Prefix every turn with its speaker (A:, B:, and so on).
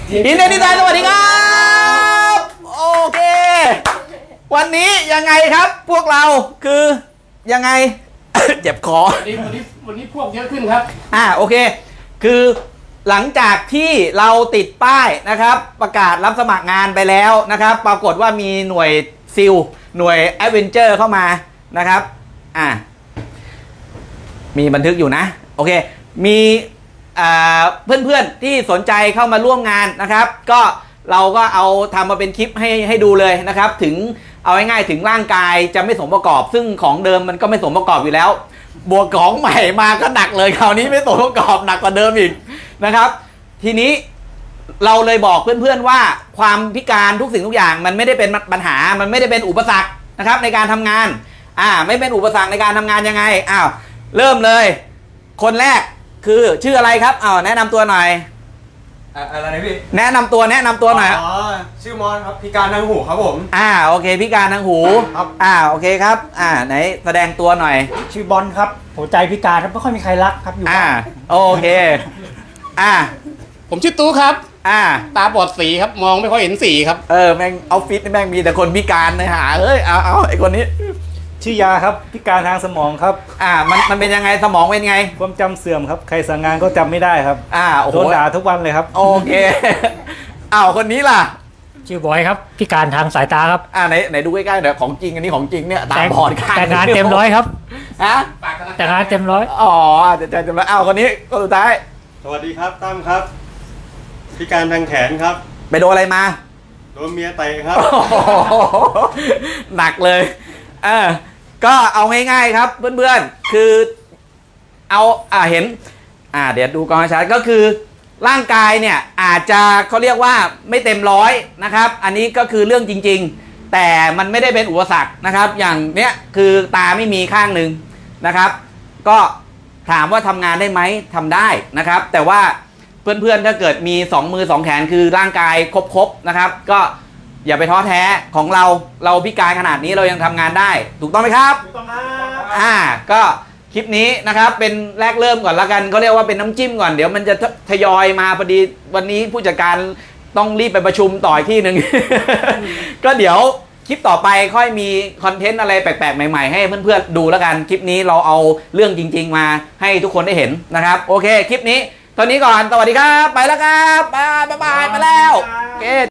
A: อินเดียดีไซน์สวัสดีครับโอเควันนี้ยังไงครับพวกเราคือยังไง เจ็บคอ
B: วันนี้พวกเยอะขึ้นครับ
A: โอเคคือหลังจากที่เราติดป้ายนะครับประกาศรับสมัครงานไปแล้วนะครับปรากฏว่ามีหน่วยซิลหน่วยแอดเวนเจอร์เข้ามานะครับมีบันทึกอยู่นะโอเคมีเพื่อนๆที่สนใจเข้ามาร่วมงานนะครับก็เราก็เอาทำมาเป็นคลิปให้ดูเลยนะครับถึงเอาง่ายๆถึงร่างกายจะไม่สมประกอบซึ่งของเดิมมันก็ไม่สมประกอบอยู่แล้วบวกของใหม่มาก็หนักเลยคราวนี้ไม่สมประกอบหนักกว่าเดิมอีกนะครับทีนี้เราเลยบอกเพื่อนๆว่าความพิการทุกสิ่งทุกอย่างมันไม่ได้เป็นปัญหามันไม่ได้เป็นอุปสรรคนะครับในการทำงานไม่เป็นอุปสรรคในการทำงานยังไงเริ่มเลยคนแรกคือชื่ออะไรครับแนะนำตัวหน่อย
C: อะไรนะพี่
A: แนะนำตัวหน่อย
C: ชื่อมอนครับพิการทางหูครับผม
A: โอเคพิการทางหู
C: ครับ
A: โอเคครับไหนแสดงตัวหน่อย
B: ชื่อบอลครับหัวใจพิการครับไม่ค่อยมีใครรักครับอยู่บ้าน
A: โอเค
B: ผมชื่อตู้ครับตาบอดสีครับมองไม่ค่อยเห็นสีครับ
A: แม่งออฟฟิศแม่งมีแต่คนพิการเลยเอาไอคนนี้
D: ชื่อยาครับพิการทางสมองครับ
A: มันเป็นยังไงสมองเป็นไง
D: ความจำเสื่อมครับใครสั่งงานก็จำไม่ได้ครับโดนด่าทุกวันเลยครับ
A: โอเคคนนี้ล่ะ
E: ชื่อบอยครับพิการทางสายตาครับ
A: ไหนดูใกล้ๆเดี๋ยวของจริงอันนี้ของจริงเนี่ยตาบอดข้าง
E: แต่งานเต็มร้อยครับแต่งานเต็มร้อย
A: ใจเต็มร้อยคนนี้ก็สุดท้าย
C: สวัสดีครับตั้มครับพิการทางแขนครับ
A: ไปโดนอะไรมา
C: โดนเมียเตะครับ
A: หนักเลยก็เอาง่ายๆครับเพื่อนๆคือเอาเห็นเดี๋ยวดูกองชัดก็คือร่างกายเนี่ยอาจจะเขาเรียกว่าไม่เต็มร้อยนะครับอันนี้ก็คือเรื่องจริงๆแต่มันไม่ได้เป็นอุปสรรคนะครับอย่างเนี้ยคือตาไม่มีข้างหนึ่งนะครับก็ถามว่าทำงานได้ไหมทำได้นะครับแต่ว่าเพื่อนๆถ้าเกิดมี2 มือ 2 แขนคือร่างกายครบๆนะครับก็อย่าไปท้อแท้ของเราพิการขนาดนี้เรายังทำงานได้ถูกต้องไหมครับ
B: ถูกต้องครับ
A: ก็คลิปนี้นะครับเป็นแรกเริ่มก่อนละกันเขาเรียกว่าเป็นน้ำจิ้มก่อนเดี๋ยวมันจะทยอยมาพอดีวันนี้ผู้จัดการต้องรีบไปประชุมต่ออีกที่หนึ่ง ก็เดี๋ยวคลิปต่อไปค่อยมีคอนเทนต์อะไรแปลกๆใหม่ๆให้เพื่อนๆดูแล้วกันคลิปนี้เราเอาเรื่องจริงๆมาให้ทุกคนได้เห็นนะครับโอเคคลิปนี้ตอนนี้ก่อนสวัสดีครับไปแล้วครับบ๊ายบายไปแล้วโอเค